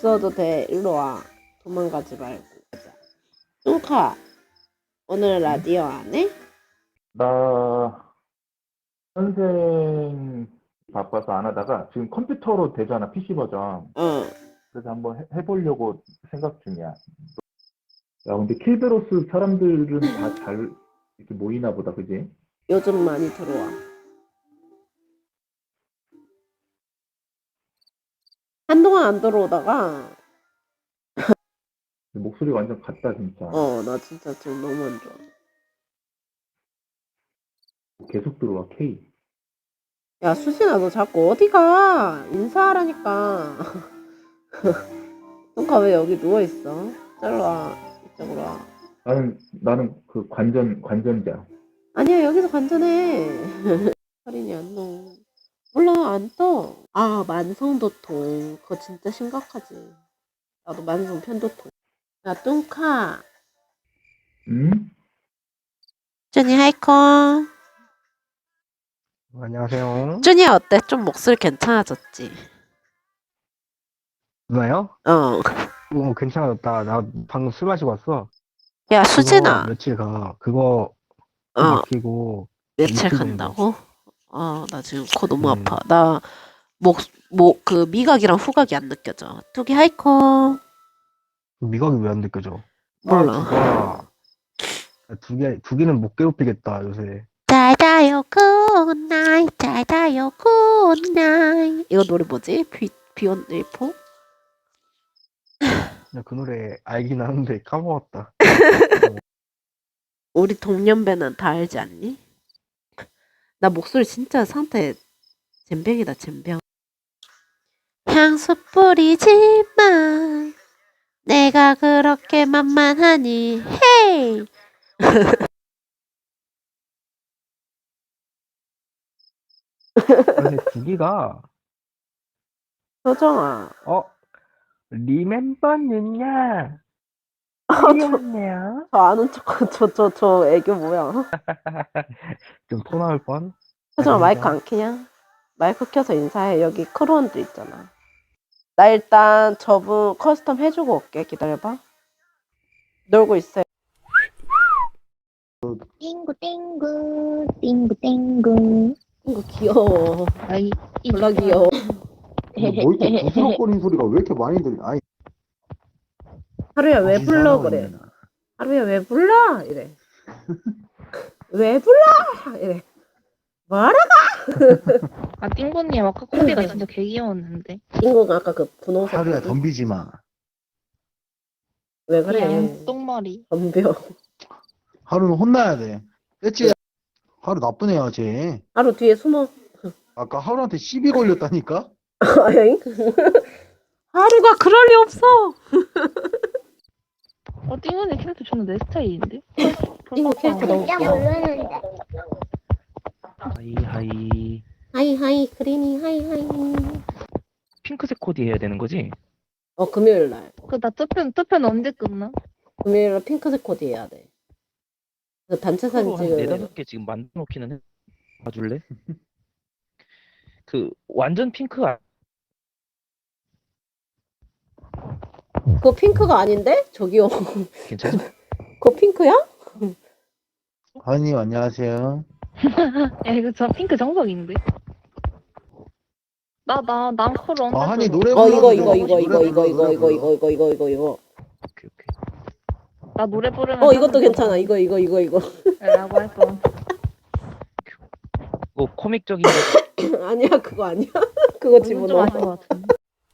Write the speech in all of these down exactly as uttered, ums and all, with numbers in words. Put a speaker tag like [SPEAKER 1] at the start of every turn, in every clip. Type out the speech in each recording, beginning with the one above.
[SPEAKER 1] 있어도 돼. 일로 와. 도망가지 말고. 가자. 뚱카, 오늘 라디오 안 해?
[SPEAKER 2] 나 선생 바빠서 안 하다가 지금 컴퓨터로 되잖아, 피씨 버전.
[SPEAKER 1] 어.
[SPEAKER 2] 그래서 한번 해, 해보려고 생각 중이야. 야, 근데 킬베로스 사람들은 다 잘 이렇게 모이나 보다, 그지?
[SPEAKER 1] 요즘 많이 들어와. 한동안 안 들어오다가,
[SPEAKER 2] 목소리 완전 같다, 진짜.
[SPEAKER 1] 어, 나 진짜 지금 너무 안 좋아.
[SPEAKER 2] 계속 들어와, K.
[SPEAKER 1] 야, 수진아, 너 자꾸 어디 가? 인사하라니까. 뚱카 왜 여기 누워있어? 저리로 와. 이쪽으로 와.
[SPEAKER 2] 나는, 나는 그 관전, 관전자.
[SPEAKER 1] 아니야, 여기서 관전해. 혈인이 안 넣어. 몰라, 안 떠. 아, 만성도통. 그거 진짜 심각하지. 나도 만성 편도통. 야, 뚱카.
[SPEAKER 2] 응?
[SPEAKER 1] 쭈니 하이콘.
[SPEAKER 3] 안녕하세요.
[SPEAKER 1] 쭈니야, 어때? 좀 목소리 괜찮아졌지?
[SPEAKER 3] 누나요?
[SPEAKER 1] 어.
[SPEAKER 3] 어, 괜찮았다. 나 방금 술 마시고 왔어.
[SPEAKER 1] 야,
[SPEAKER 3] 그거
[SPEAKER 1] 수진아.
[SPEAKER 3] 며칠 가. 그거
[SPEAKER 1] 어,
[SPEAKER 3] 막히고
[SPEAKER 1] 며칠
[SPEAKER 3] 이틀 정도.
[SPEAKER 1] 간다고? 어, 나 지금 코 너무
[SPEAKER 3] 음.
[SPEAKER 1] 아파. 나 목, 목, 그 미각이랑 후각이 안 느껴져. 뚜기 하이콘.
[SPEAKER 3] 미각이 왜 안 느껴져?
[SPEAKER 1] 몰라.
[SPEAKER 3] 아, 두 개, 두 개는 못 괴롭히겠다, 요새.
[SPEAKER 1] 잘 자요, 굿나잇. 잘 자요, 굿나잇. 이거 노래 뭐지? 비, 비욘드 일포?
[SPEAKER 3] 야, 그 노래 알긴 하는데 까먹었다.
[SPEAKER 1] 우리 동년배는 다 알지 않니? 나 목소리 진짜 상태 젬병이다, 젬병. 향수 뿌리지 마. 내가 그렇게 만만하니. 헤이.
[SPEAKER 3] 근데 두 개가,
[SPEAKER 1] 효정아.
[SPEAKER 3] 어, 리멤버는야.
[SPEAKER 1] 저,
[SPEAKER 3] 귀엽네요.
[SPEAKER 1] 저 아는 척, 저, 저, 저 애교 뭐야?
[SPEAKER 3] 좀 토 나올 뻔.
[SPEAKER 1] 효정아,
[SPEAKER 3] 아닙니다.
[SPEAKER 1] 마이크 안 켜냐? 마이크 켜서 인사해. 여기 크루원도 있잖아. 나 일단 저분 커스텀 해주고 올게. 기다려봐. 놀고 있어요.
[SPEAKER 4] 띵구 띵구 띵구 띵구.
[SPEAKER 1] 이거 귀여워.
[SPEAKER 4] 아이
[SPEAKER 1] 졸라 귀여워.
[SPEAKER 2] 뭐 이렇게 부스럭거리는 소리가 왜 이렇게 많이 들려? 아니,
[SPEAKER 1] 하루야 왜 불러 그래? 하루야 왜 불러? 이래. 왜 불러? 이래. 뭐라?
[SPEAKER 4] 아 띵구님 아까 콤비가 진짜 개 귀여웠는데.
[SPEAKER 1] 인공 아까 그 분홍색.
[SPEAKER 5] 하루야
[SPEAKER 1] 거기?
[SPEAKER 5] 덤비지 마.
[SPEAKER 1] 왜 그래?
[SPEAKER 4] 그냥 똥머리.
[SPEAKER 1] 덤벼.
[SPEAKER 5] 하루는 혼나야 돼. 그치? 하루 나쁜 애야, 쟤.
[SPEAKER 1] 하루 뒤에 숨어.
[SPEAKER 5] 아까 하루한테 시비 걸렸다니까?
[SPEAKER 1] 아잉? 하루가 그럴 리 없어.
[SPEAKER 4] 어 띵구님 캐릭터 저는 내 스타일인데.
[SPEAKER 1] 인공 캐릭터 너무 귀여워.
[SPEAKER 6] 하이 하이.
[SPEAKER 1] 하이 하이 그린이 하이 하이.
[SPEAKER 6] 핑크색 코디 해야 되는 거지?
[SPEAKER 1] 어 금요일 날.
[SPEAKER 4] 그나 투표 투표는 언제 끝나?
[SPEAKER 1] 금요일 날 핑크색 코디 해야 돼. 그 단체 사진
[SPEAKER 6] 서로 한
[SPEAKER 1] 찍으면.
[SPEAKER 6] 네다섯 개 지금 만들어 놓기는 해. 봐줄래? 그 완전 핑크 아,
[SPEAKER 1] 그거 핑크가 아닌데? 저기요.
[SPEAKER 6] 괜찮아?
[SPEAKER 1] 그거 핑크야?
[SPEAKER 5] 하은님, 안녕하세요.
[SPEAKER 4] 야 이거 저 핑크 정석인데. 나 나 난커를 언제?
[SPEAKER 5] 아, 한이
[SPEAKER 4] 들어?
[SPEAKER 5] 노래
[SPEAKER 1] 어
[SPEAKER 5] 불러.
[SPEAKER 1] 이거 이거 이거 이거 이거 이거 이거 이거 이거 이거 이거 이거.
[SPEAKER 6] 오케이 오케이.
[SPEAKER 4] 나 노래 부르면.
[SPEAKER 1] 어 이것도 괜찮아. 이거 이거 이거 이거.
[SPEAKER 4] 라고 할 뻔.
[SPEAKER 6] 뭐 코믹적인 거
[SPEAKER 1] 아니야 그거 아니야. 그거
[SPEAKER 4] 좀
[SPEAKER 1] 집어넣어.
[SPEAKER 4] 아실 것 같은데.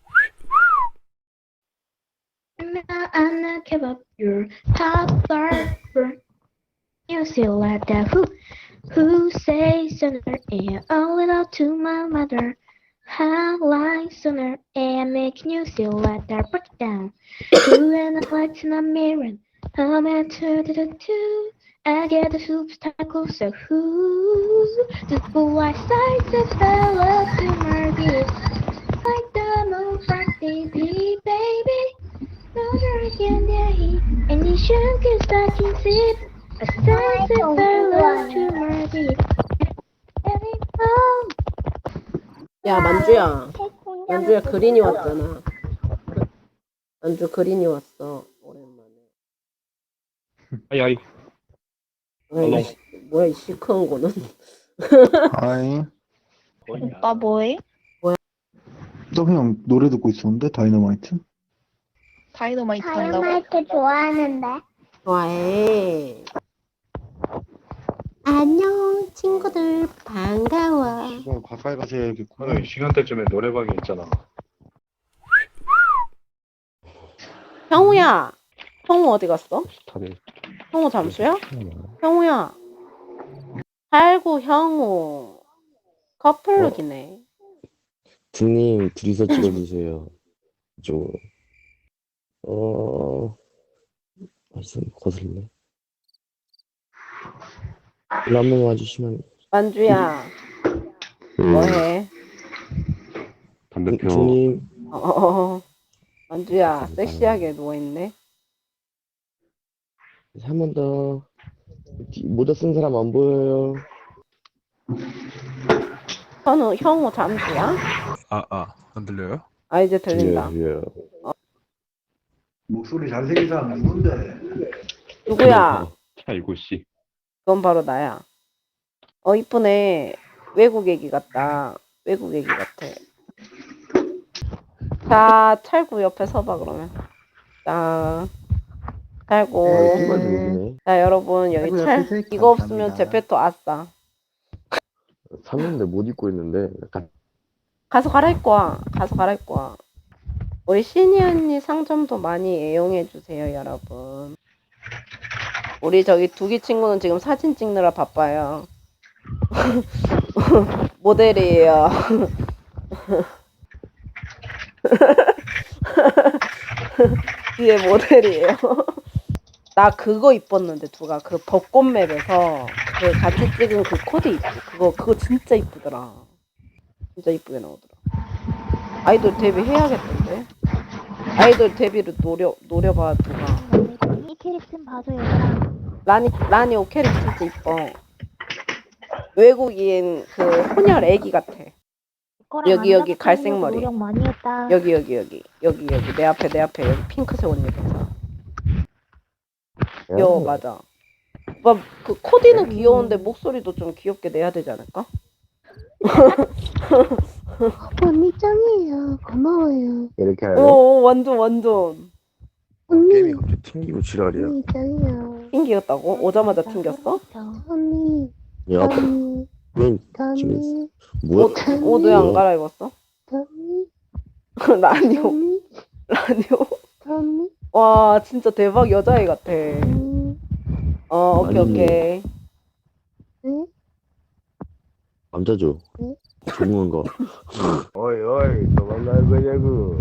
[SPEAKER 7] I'm not give up your power. You feel like that who who says sooner and a little to my mother. How like sooner and making you feel like that break it down. Who and I like to not mirroring. I'm at two to the two. I get the superstar closer. Who the white sides of fella to my beat. Like the moon from baby, baby. Another again, there he. And you should get stuck in it. A sunset fella to my beat. Oh.
[SPEAKER 1] 야 만주야. 만주야 그린이 왔잖아. 안주 그린이 왔어. 오랜만에.
[SPEAKER 8] 아이 아이
[SPEAKER 1] 아이, 씨, 뭐야, 이 시크한 거는.
[SPEAKER 5] 아이,
[SPEAKER 4] 오빠 뭐해?
[SPEAKER 5] 너 그냥 노래 듣고 있었는데, 다이너마이트?
[SPEAKER 4] 다이너마이트 한다고?
[SPEAKER 7] 다이어마이트 좋아하는데.
[SPEAKER 1] 좋아해. 안녕, 친구들. 반가워.
[SPEAKER 5] 이거 가까이 가서 해야겠구나.
[SPEAKER 8] 오늘 시간대쯤에 노래방이 있잖아.
[SPEAKER 1] 형우야. 형우 어디 갔어?
[SPEAKER 3] 다들
[SPEAKER 1] 형우 잠수야? 형우야. 아이고, 형우. 커플룩이네.
[SPEAKER 9] 등님 둘이서 찍어주세요. 이쪽으로. 어, 벌써 거슬리네. 일로 한 번만 와주시면.
[SPEAKER 1] 만주야. 뭐해?
[SPEAKER 9] 담배표. 등님,
[SPEAKER 1] 어, 어, 어. 만주야, 섹시하게 누워있네.
[SPEAKER 9] 한 번 더. 뒤- 모자 쓴 사람 안 보여요.
[SPEAKER 1] 현우, 형우 잠수야?
[SPEAKER 10] 아, 아, 안 들려요?
[SPEAKER 1] 아, 이제 들린다.
[SPEAKER 9] 들려요, 들려요.
[SPEAKER 5] 목소리 잘생긴 사람 누군데?
[SPEAKER 1] 누구야?
[SPEAKER 8] 아이고 씨.
[SPEAKER 1] 그건 바로 나야. 어, 이쁘네. 외국 애기 같다. 외국 애기 같아. 자, 찰구 옆에 서봐, 그러면. 자, 찰구.
[SPEAKER 9] 어, 신발 들리네.
[SPEAKER 1] 자, 여러분, 여기
[SPEAKER 5] 찰구
[SPEAKER 1] 찰,
[SPEAKER 5] 옆에 서 있기
[SPEAKER 1] 이거 없으면
[SPEAKER 5] 감사합니다.
[SPEAKER 1] 제페토 아싸.
[SPEAKER 9] 샀는데 못 입고 있는데. 약간
[SPEAKER 1] 가서 갈아입고 와. 가서 갈아입고 와. 우리 신이 언니 상점도 많이 애용해주세요, 여러분. 우리 저기 두기 친구는 지금 사진 찍느라 바빠요. 모델이에요. 뒤에 모델이에요. 나 그거 입었는데 누가 그 벚꽃 맵에서 그 같이 찍은 그 코디 있지? 그거 그거 진짜 이쁘더라. 진짜 이쁘게 나오더라. 아이돌 데뷔 해야겠던데. 아이돌 데뷔를 노려 노려봐 누가.
[SPEAKER 7] 이 캐릭터 봐줘 얘들아.
[SPEAKER 1] 라니 라니 오케릭 진짜 이뻐. 외국인 그 혼혈 애기 같아.
[SPEAKER 7] 이거랑
[SPEAKER 1] 여기,
[SPEAKER 7] 안
[SPEAKER 1] 여기
[SPEAKER 7] 나가서
[SPEAKER 1] 갈색
[SPEAKER 7] 하려고
[SPEAKER 1] 머리.
[SPEAKER 7] 노력 많이 했다.
[SPEAKER 1] 여기 여기 여기 여기 여기 내 앞에 내 앞에 여기 핑크색 옷 입은 사람. 귀여워 맞아. 오빠 그 코디는 귀여운데 목소리도 좀 귀엽게 내야 되지 않을까?
[SPEAKER 7] 언니 짱이에요. 고마워요.
[SPEAKER 9] 이렇게
[SPEAKER 1] 오,
[SPEAKER 9] 하면
[SPEAKER 1] 오 완전 완전
[SPEAKER 9] 게임이 갑자기 튕기고 지랄이야.
[SPEAKER 7] 언니 짱이요.
[SPEAKER 1] 튕겼다고? 오자마자 튕겼어?
[SPEAKER 7] 언니,
[SPEAKER 9] 야,
[SPEAKER 7] 언니,
[SPEAKER 9] 넌
[SPEAKER 7] 언니,
[SPEAKER 9] 뭐야?
[SPEAKER 1] 옷 왜 안 갈아입었어?
[SPEAKER 7] 언니,
[SPEAKER 1] 라니오
[SPEAKER 7] 언니,
[SPEAKER 1] 라니오.
[SPEAKER 7] 언니,
[SPEAKER 1] 와 진짜 대박 여자애 같아.
[SPEAKER 7] 언니.
[SPEAKER 1] 어 오케이
[SPEAKER 9] 아니.
[SPEAKER 1] 오케이.
[SPEAKER 7] 응?
[SPEAKER 9] 남자죠?
[SPEAKER 7] 응?
[SPEAKER 9] 조용한 거. 어이, 어이, 도망갈 거냐고.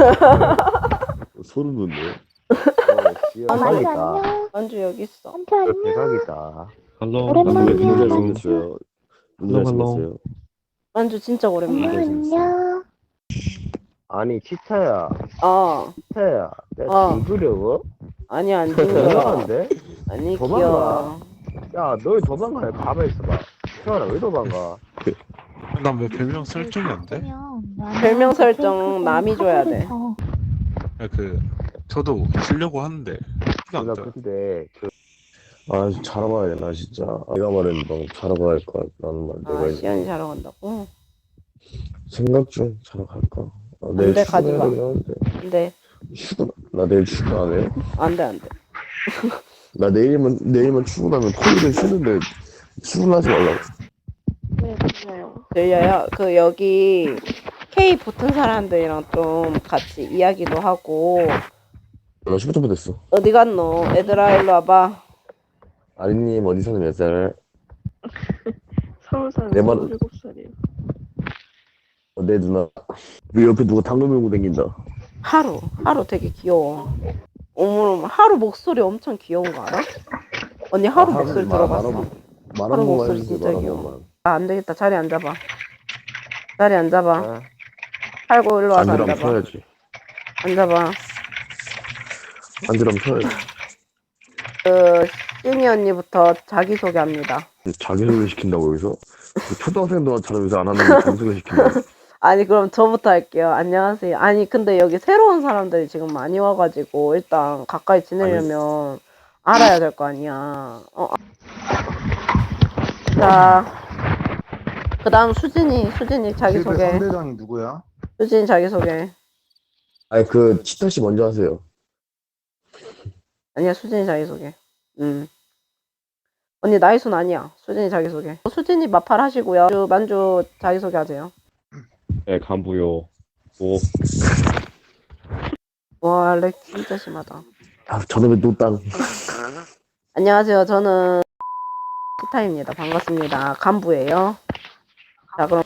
[SPEAKER 9] 소름 돋네. 어, 씨야,
[SPEAKER 7] 만주
[SPEAKER 9] 사기다.
[SPEAKER 7] 안녕.
[SPEAKER 1] 만주 여기 있어.
[SPEAKER 7] 만주 안녕.
[SPEAKER 9] 대박이다.
[SPEAKER 8] 할로.
[SPEAKER 7] 오랜만이야.
[SPEAKER 9] 누구 잘생겼어요? 누구
[SPEAKER 8] 헬로, 헬로.
[SPEAKER 9] 잘생겼어요?
[SPEAKER 1] 만주 진짜 오랜만에.
[SPEAKER 7] 엄마 안녕.
[SPEAKER 9] 아니, 치타야.
[SPEAKER 1] 어
[SPEAKER 9] 치타야. 내가
[SPEAKER 1] 어.
[SPEAKER 9] 징그려워?
[SPEAKER 1] 아니야 안 징그러.
[SPEAKER 9] 이상한데?
[SPEAKER 1] 아니
[SPEAKER 9] 도망가.
[SPEAKER 1] 귀여워.
[SPEAKER 9] 야, 너 왜 도망가? 가만히 있어봐. 태연아, 왜 도망가?
[SPEAKER 10] 난 왜 별명 설정이 안 돼?
[SPEAKER 1] 별명 설정 남이 줘야 돼.
[SPEAKER 10] 야, 그 저도 쓰려고 하는데 티가 안
[SPEAKER 9] 나
[SPEAKER 10] 떠요.
[SPEAKER 9] 근데 그... 아, 잘해봐야 되나 진짜. 내가 말했는데 너무 잘해봐야 할 것 같다는 말. 내가
[SPEAKER 1] 아
[SPEAKER 9] 이제
[SPEAKER 1] 시연이 자러 간다고?
[SPEAKER 9] 생각 중 자러 갈까? 아,
[SPEAKER 1] 안
[SPEAKER 9] 내일
[SPEAKER 1] 돼, 가지
[SPEAKER 9] 출근해야
[SPEAKER 1] 마.
[SPEAKER 9] 되긴 하는데.
[SPEAKER 1] 근데
[SPEAKER 9] 출근, 나 내일 출근 안 해?
[SPEAKER 1] 안돼 안돼.
[SPEAKER 9] 나 내일만, 내일만 출근하면 토요일에 쉬는데 출근하지 말라고.
[SPEAKER 1] 들려요? 그 여기 K 붙은 사람들이랑 좀 같이 이야기도 하고.
[SPEAKER 9] 나 십오 점 됐어.
[SPEAKER 1] 어디 갔노? 얘들아 일로 와봐.
[SPEAKER 9] 아리님 어디 사는 몇 살?
[SPEAKER 11] 서울 사는
[SPEAKER 9] 내 말-
[SPEAKER 11] 일곱 살이에요.
[SPEAKER 9] 어, 내 누나. 왜 옆에 누가 당근 밀고 다닌다.
[SPEAKER 1] 하루 하루 되게 귀여워. 어머 하루 목소리 엄청 귀여운 거 알아? 언니 하루
[SPEAKER 9] 아,
[SPEAKER 1] 목소리
[SPEAKER 9] 말-
[SPEAKER 1] 들어봤어?
[SPEAKER 9] 말한- 말
[SPEAKER 1] 하루
[SPEAKER 9] 한 번만
[SPEAKER 1] 목소리
[SPEAKER 9] 해주세요.
[SPEAKER 1] 진짜
[SPEAKER 9] 말 한
[SPEAKER 1] 귀여워.
[SPEAKER 9] 번만.
[SPEAKER 1] 아 안되겠다 자리 앉아봐. 자리 앉아봐.
[SPEAKER 9] 아,
[SPEAKER 1] 팔고 일로 와서
[SPEAKER 9] 앉으라면
[SPEAKER 1] 앉아봐.
[SPEAKER 9] 서야지.
[SPEAKER 1] 앉아봐.
[SPEAKER 9] 앉으라면 서야지.
[SPEAKER 1] 그 신이 언니부터 자기소개합니다.
[SPEAKER 9] 자기소개 시킨다고 여기서? 그 초등학생도 잘하면서 안 하는 게 자기소개 시킨다.
[SPEAKER 1] 아니, 그럼 저부터 할게요. 안녕하세요. 아니, 근데 여기 새로운 사람들이 지금 많이 와가지고, 일단 가까이 지내려면 알아야 될 거 아니야. 어. 자, 그 다음 수진이, 수진이
[SPEAKER 5] 킬베
[SPEAKER 1] 자기소개.
[SPEAKER 5] 상대장이 누구야?
[SPEAKER 1] 수진이 자기소개.
[SPEAKER 9] 아니 그 치타 씨 먼저 하세요.
[SPEAKER 1] 아니야, 수진이 자기소개. 음. 언니, 나이순 아니야. 수진이 자기소개. 수진이 마팔 하시고요. 만주, 만주 자기소개 하세요.
[SPEAKER 8] 네, 간부요. 오,
[SPEAKER 1] 와, 렉 진짜 심하다.
[SPEAKER 9] 아 저놈의 노땅.
[SPEAKER 1] 안녕하세요. 저는 티타입니다. 반갑습니다. 간부예요. 자, 그럼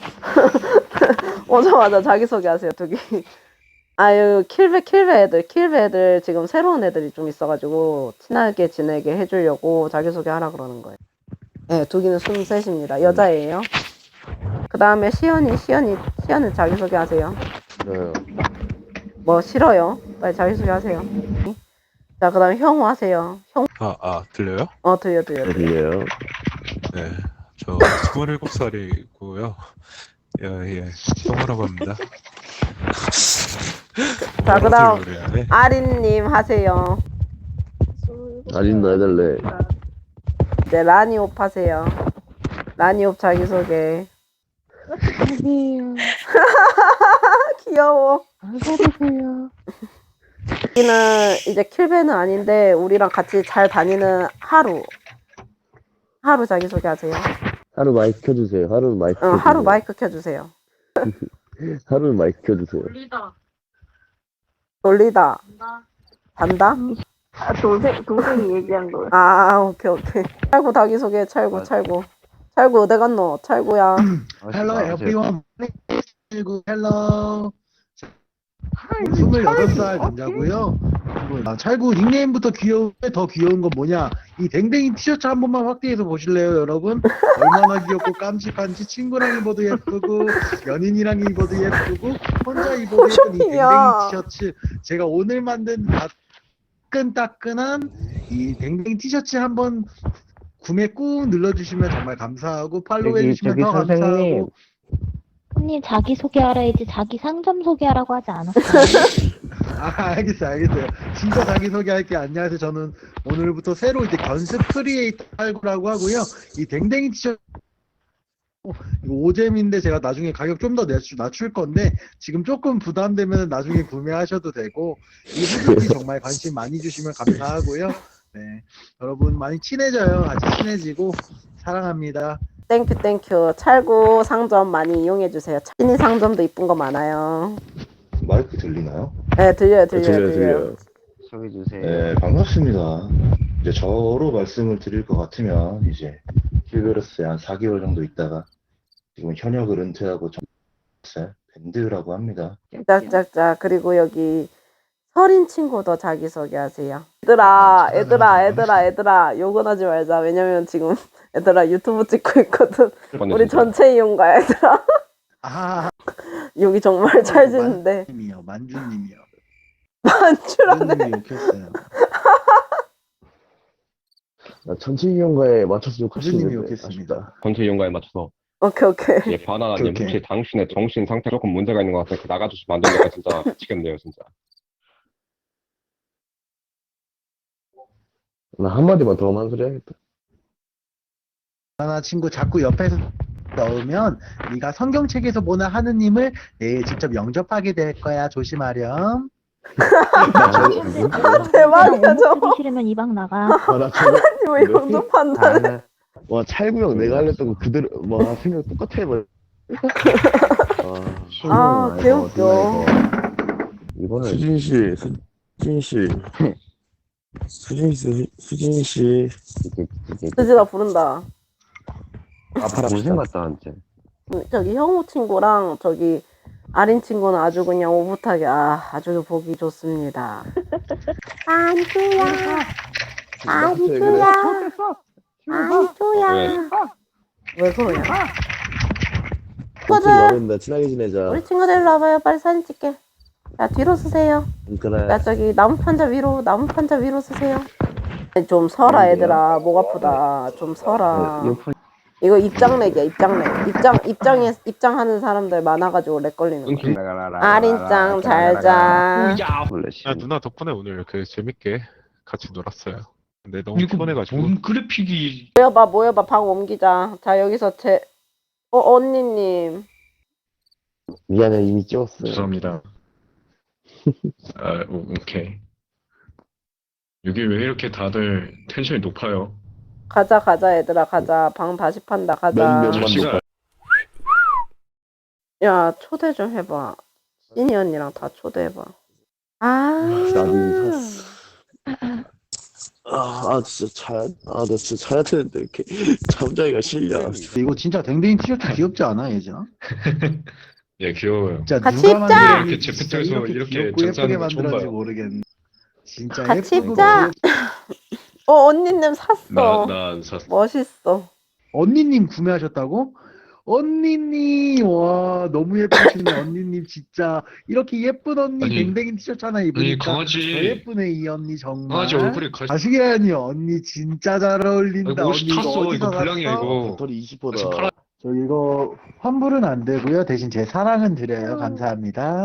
[SPEAKER 1] 오자마자 자기소개하세요. 두 개. 아유, 킬베 킬베 애들 킬베 애들 지금 새로운 애들이 좀 있어가지고 친하게 지내게 해주려고 자기소개하라 그러는 거예요. 네, 두 개는 스물셋입니다. 여자예요. 그 다음에 시연이 시연이 시연이 자기소개하세요.
[SPEAKER 9] 네.
[SPEAKER 1] 뭐 싫어요? 빨리 자기소개하세요. 자, 그 다음에 형우 하세요. 형,
[SPEAKER 10] 아, 아, 들려요?
[SPEAKER 1] 어, 들려, 들려. 들려.
[SPEAKER 9] 들려요.
[SPEAKER 10] 네. 저 스물일곱 살이고요. 예, 예. 형우라고 합니다.
[SPEAKER 1] 자, 그 다음
[SPEAKER 10] 뭐라고 그래야 돼?
[SPEAKER 1] 아린님 하세요.
[SPEAKER 9] 아린도 해달래.
[SPEAKER 1] 이제 라니옵 하세요. 라니옵 자기소개.
[SPEAKER 7] 아니에요.
[SPEAKER 1] 귀여워.
[SPEAKER 7] 안 사주세요.
[SPEAKER 1] 여기는 이제 킬베는 아닌데 우리랑 같이 잘 다니는 하루. 하루 자기소개 하세요.
[SPEAKER 9] 하루 마이크 켜주세요. 하루 마이크.
[SPEAKER 1] 어,
[SPEAKER 9] 켜주세요.
[SPEAKER 1] 하루 마이크 켜주세요.
[SPEAKER 9] 하루 마이크 켜주세요.
[SPEAKER 1] 돌리다. 단다?
[SPEAKER 11] 아, 동생, 동생이 얘기한 거야.
[SPEAKER 1] 아, 오케이, 오케이. 찰구 자기소개, 찰구, 찰구. 찰구 어디 갔노? 찰구야.
[SPEAKER 5] 헬로 에브리원. 헬로. 스물여덟 살 남자고요. 아, 찰구 닉네임부터 귀여운데 더 귀여운 건 뭐냐? 이 댕댕이 티셔츠 한 번만 확대해서 보실래요, 여러분? 얼마나 귀엽고 깜찍한지 친구랑 입어도 예쁘고 연인이랑 입어도 예쁘고 혼자 입어도 예쁜 이 댕댕이
[SPEAKER 1] 쇼핑이야.
[SPEAKER 5] 티셔츠. 제가 오늘 만든 따끈따끈한 이 댕댕이 티셔츠 한번 구매 꾹 눌러주시면 정말 감사하고 팔로우
[SPEAKER 6] 저기,
[SPEAKER 5] 해주시면
[SPEAKER 6] 저기
[SPEAKER 5] 더
[SPEAKER 6] 선생님.
[SPEAKER 5] 감사하고.
[SPEAKER 7] 손님 자기 소개하라 했지 자기 상점 소개하라고 하지 않았어요?
[SPEAKER 5] 아, 알겠어요, 알겠어요. 진짜 자기소개할게요. 안녕하세요. 저는 오늘부터 새로 이제 건습 크리에이터 팔구라고 하고요. 이 댕댕이 티셔츠 이거 오잼인데 제가 나중에 가격 좀 더 낮출 건데 지금 조금 부담되면 나중에 구매하셔도 되고 이 후드티 정말 관심 많이 주시면 감사하고요. 네, 여러분 많이 친해져요. 같이 친해지고 사랑합니다.
[SPEAKER 1] 땡큐, 땡큐. 찰구 상점 많이 이용해주세요. 찰니 상점도 이쁜 거 많아요.
[SPEAKER 2] 마이크 들리나요?
[SPEAKER 1] 네, 들려요, 들려요,
[SPEAKER 9] 들려요,
[SPEAKER 1] 들려요.
[SPEAKER 9] 들려요.
[SPEAKER 6] 소개 주세요.
[SPEAKER 2] 네, 반갑습니다. 이제 저로 말씀을 드릴 것 같으면 이제 킬베로스에 한 사 개월 정도 있다가 지금 현역을 은퇴하고 정했어요. 밴드라고 합니다.
[SPEAKER 1] 짝짝짝. 그리고 여기 서린 친구도 자기소개하세요. 얘들아, 얘들아, 얘들아, 얘들아. 욕은 하지 말자. 왜냐면 지금 얘들아 유튜브 찍고 있거든. 우리 전체 이용가 얘들아.
[SPEAKER 5] 아,
[SPEAKER 1] 여기 정말 잘 짓는데.
[SPEAKER 5] 만주님이요, 만주님이요.
[SPEAKER 1] 만주라네.
[SPEAKER 5] 만주님이 욕했어요.
[SPEAKER 9] 나 전체 이용가에 맞춰서
[SPEAKER 5] 만주님이
[SPEAKER 9] 욕하시는데
[SPEAKER 5] 욕했습니다.
[SPEAKER 9] 아쉽다.
[SPEAKER 8] 전체 이용가에 맞춰서.
[SPEAKER 1] 오케이, 오케이.
[SPEAKER 8] 예, 바나나님,
[SPEAKER 5] 오케이, 오케이.
[SPEAKER 8] 혹시 당신의 정신 상태 조금 문제가 있는 것 같아요. 나가주시면 안 되니까 진짜 미치겠네요, 진짜.
[SPEAKER 9] 나 한마디만 더 하면 한 소리 해야겠다.
[SPEAKER 5] 하나 친구 자꾸 옆에서 넣으면 네가 성경책에서 보는 하느님을 내일 직접 영접하게 될 거야. 조심하렴.
[SPEAKER 1] 대박이야, 저거.
[SPEAKER 7] 듣기 싫으면 이 방 나가.
[SPEAKER 9] 아, 나 저거
[SPEAKER 1] 왜 영접한다네.
[SPEAKER 9] 아, 와 찰구형 내가 알렸던 거 그대로 와 생각 똑같아 뭐.
[SPEAKER 1] 아, 개웃겨.
[SPEAKER 9] 이거는 수진 씨, 수진 씨, 수진 씨, 수진 씨.
[SPEAKER 1] 수지가 부른다.
[SPEAKER 9] 아파라 고생 같다 한테.
[SPEAKER 1] 저기 형우 친구랑 저기 아린 친구는 아주 그냥 오붓하게 아 아주 보기 좋습니다. 안주야, 안주야, 안주야. 왜 그러냐? 친구들,
[SPEAKER 9] 어른다 친하게 지내자.
[SPEAKER 1] 우리 친구들 일로 와봐요. 빨리 사진 찍게. 야, 뒤로 쓰세요.
[SPEAKER 9] 그래.
[SPEAKER 1] 야, 저기 나무 판자 위로, 나무 판자 위로 쓰세요. 좀 서라 얘들아. 목 아프다. 좀 서라. 이거 입장렉이야, 입장렉. 입장, 입장에, 입장하는 사람들 많아가지고 렉 걸리는 거야. 아린짱, 잘 자.
[SPEAKER 10] 아, 누나 덕분에 오늘 그 재밌게 같이 놀았어요. 근데 너무 피곤해가지고.
[SPEAKER 8] 그래픽이
[SPEAKER 1] 모여봐, 모여봐, 방 옮기자. 자, 여기서 제, 어, 언니님.
[SPEAKER 9] 미안해, 이미 찍었어요.
[SPEAKER 8] 죄송합니다. 아, 오, 오케이. 여기 왜 이렇게 다들 텐션이 높아요?
[SPEAKER 1] 가자, 가자, 얘들아, 가자. 방 다시 판다, 가자.
[SPEAKER 9] 몇 명만
[SPEAKER 8] 시간
[SPEAKER 1] 야, 초대 좀 해봐. 신이 언니랑 다 초대해봐. 아.
[SPEAKER 9] 나도 이미 샀어. 아, 아 진짜 자야, 아, 나 진짜 자야 되는데 이렇게 잠자기가 싫냐.
[SPEAKER 5] 이거 진짜 댕댕이 티셔츠 귀엽지 않아, 예진아?
[SPEAKER 8] 예, 귀여워요.
[SPEAKER 5] 진짜
[SPEAKER 1] 같이
[SPEAKER 5] 누가
[SPEAKER 1] 입자!
[SPEAKER 5] 만들었는지
[SPEAKER 8] 이렇게
[SPEAKER 5] 진짜
[SPEAKER 8] 제프토에서
[SPEAKER 5] 이렇게
[SPEAKER 8] 이렇게
[SPEAKER 5] 귀엽고 예쁘게
[SPEAKER 8] 장사하는 거 처음
[SPEAKER 5] 만들었는지
[SPEAKER 8] 봐요.
[SPEAKER 5] 모르겠네. 진짜
[SPEAKER 1] 같이
[SPEAKER 5] 예쁘고
[SPEAKER 1] 입자! 어, 언니님 샀어.
[SPEAKER 8] 나난 샀어.
[SPEAKER 1] 멋있어.
[SPEAKER 5] 언니님 구매하셨다고? 언니님, 와, 너무 예쁘시네, 언니님, 진짜. 이렇게 예쁜 언니,
[SPEAKER 8] 아니,
[SPEAKER 5] 댕댕이 티셔츠 하나
[SPEAKER 8] 아니
[SPEAKER 5] 입으니까 더
[SPEAKER 8] 강아지
[SPEAKER 5] 예쁘네, 이 언니, 정말.
[SPEAKER 8] 강아지 얼굴에 가시.
[SPEAKER 5] 가시게아니, 언니, 진짜 잘 어울린다.
[SPEAKER 8] 아이고, 옷이
[SPEAKER 5] 언니, 이거
[SPEAKER 8] 탔어.
[SPEAKER 5] 어디서
[SPEAKER 8] 이거 불량이야
[SPEAKER 5] 샀어?
[SPEAKER 8] 이거.
[SPEAKER 9] 배터리 이십 퍼센트.
[SPEAKER 8] 지금 팔아.
[SPEAKER 5] 저 이거 환불은 안 되고요. 대신 제 사랑은 드려요. 감사합니다.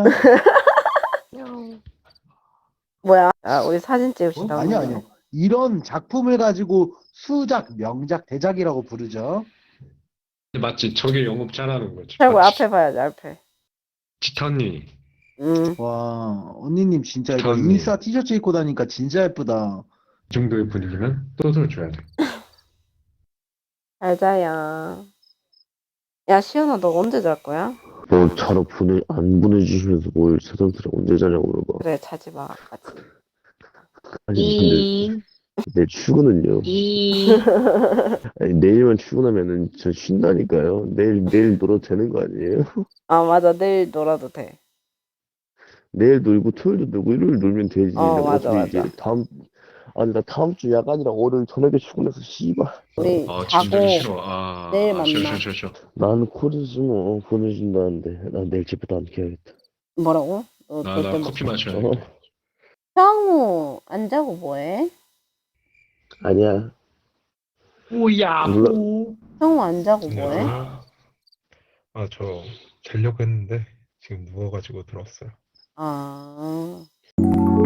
[SPEAKER 1] 뭐야? 아, 우리 사진
[SPEAKER 5] 어?
[SPEAKER 1] 찍읍시다.
[SPEAKER 5] 아니요, 아니요. 이런 작품을 가지고 수작, 명작, 대작이라고 부르죠.
[SPEAKER 8] 맞지? 저게 영업 잘하는 거지.
[SPEAKER 1] 최고
[SPEAKER 8] 맞지?
[SPEAKER 1] 앞에 봐야지, 앞에.
[SPEAKER 8] 티타니.
[SPEAKER 1] 음.
[SPEAKER 5] 와, 언니님 진짜 이거
[SPEAKER 8] 감사합니다.
[SPEAKER 5] 인싸 티셔츠 입고 다니까 진짜 예쁘다.
[SPEAKER 8] 이 정도의 분위기면 또 줘야 돼.
[SPEAKER 1] 잘 자야. 야, 시연아, 너 언제 잘 거야?
[SPEAKER 9] 뭐 자러 보내 안 보내주시면서 뭘 새삼스레 언제 자냐고 물어봐.
[SPEAKER 1] 그래, 자지 마. 같이.
[SPEAKER 9] 아니 근데 내일 출근은요. 아니, 내일만 출근하면은 저 쉰다니까요. 내일 내일 놀아도 되는 거 아니에요?
[SPEAKER 1] 아, 맞아. 내일 놀아도 돼.
[SPEAKER 9] 내일 놀고 토요일도 놀고 일요일 놀면 되지.
[SPEAKER 1] 어,
[SPEAKER 9] 내가
[SPEAKER 1] 맞아,
[SPEAKER 9] 어차피
[SPEAKER 1] 맞아.
[SPEAKER 9] 이제 다음 아니 나 다음 주 야간이랑 월요일 저녁에 출근해서 씨발.
[SPEAKER 1] 우리
[SPEAKER 8] 아,
[SPEAKER 1] 자고
[SPEAKER 8] 진짜 싫어. 아,
[SPEAKER 1] 내일
[SPEAKER 8] 아, 싫어,
[SPEAKER 1] 만나.
[SPEAKER 8] 싫어, 싫어, 싫어.
[SPEAKER 9] 나는 코르스 뭐 보내준다는데 난 내일 집부터 안 켜야겠다.
[SPEAKER 1] 뭐라고? 너
[SPEAKER 8] 나,
[SPEAKER 1] 절대
[SPEAKER 8] 나
[SPEAKER 1] 못
[SPEAKER 8] 커피
[SPEAKER 1] 자.
[SPEAKER 8] 마셔야
[SPEAKER 9] 어?
[SPEAKER 8] 돼.
[SPEAKER 1] 형우, 안 자고 뭐해?
[SPEAKER 9] 아니야.
[SPEAKER 8] 오야.
[SPEAKER 9] 몰라.
[SPEAKER 1] 형우 안 자고 뭐해?
[SPEAKER 10] 아, 저 자려고 했는데 지금 누워가지고 들었어요.
[SPEAKER 1] 아.